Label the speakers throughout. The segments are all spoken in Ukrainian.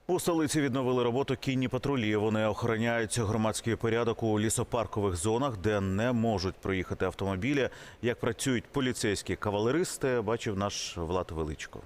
Speaker 1: У столиці відновили роботу кінні патрулі. Вони охороняють громадський порядок у лісопаркових зонах, де не можуть проїхати автомобілі. Як працюють поліцейські кавалеристи, бачив наш Влад Величко.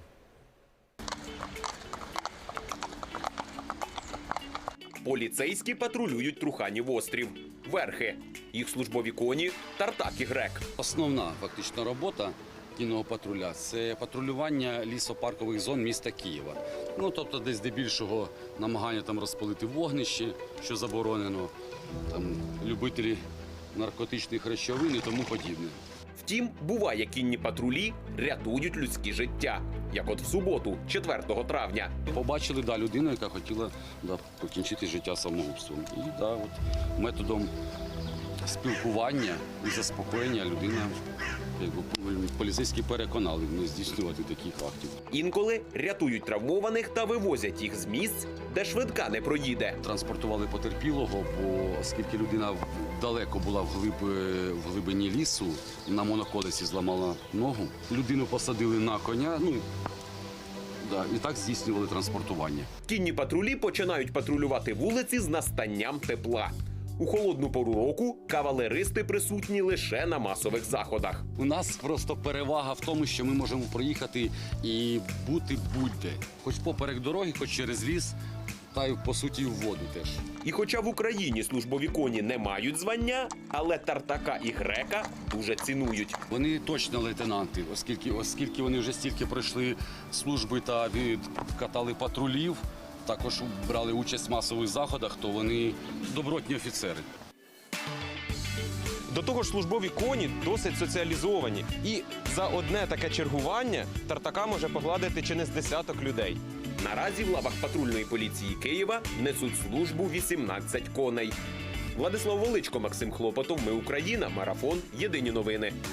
Speaker 2: Поліцейські патрулюють Труханів острів. Верхи. Їх службові коні – Тартак і Грек.
Speaker 3: Основна фактично робота кінного патруля – це патрулювання лісопаркових зон міста Києва. Тобто десь здебільшого намагання там розпалити вогнище, що заборонено, там, любителі наркотичних речовин і тому подібне.
Speaker 2: Втім, буває, кінні патрулі рятують людські життя. Як от в суботу, 4 травня.
Speaker 3: Побачили людину, яка хотіла покінчити життя самогубством. І методом спілкування і заспокоєння людина, поліцейські переконали не здійснювати таких актів.
Speaker 2: Інколи рятують травмованих та вивозять їх з місць, де швидка не проїде.
Speaker 3: Транспортували потерпілого, бо оскільки людина далеко була в глибині лісу, на моноколесі зламала ногу, людину посадили на коня, і так здійснювали транспортування.
Speaker 2: Кінні патрулі починають патрулювати вулиці з настанням тепла. У холодну пору року кавалеристи присутні лише на масових заходах.
Speaker 3: У нас просто перевага в тому, що ми можемо проїхати і бути будь-де. Хоч поперек дороги, хоч через ліс, та й, по суті, в воду теж.
Speaker 2: І хоча в Україні службові коні не мають звання, але Тартака і Грека дуже цінують.
Speaker 3: Вони точно лейтенанти, оскільки вони вже стільки пройшли служби та відкатали патрулів, також брали участь в масових заходах, то вони добротні офіцери.
Speaker 4: До того ж, службові коні досить соціалізовані. І за одне таке чергування Тартака може погладити чи не з десяток людей.
Speaker 2: Наразі в лавах патрульної поліції Києва несуть службу 18 коней. Владислав Величко, Максим Хлопотов. Ми Україна. Марафон. Єдині новини.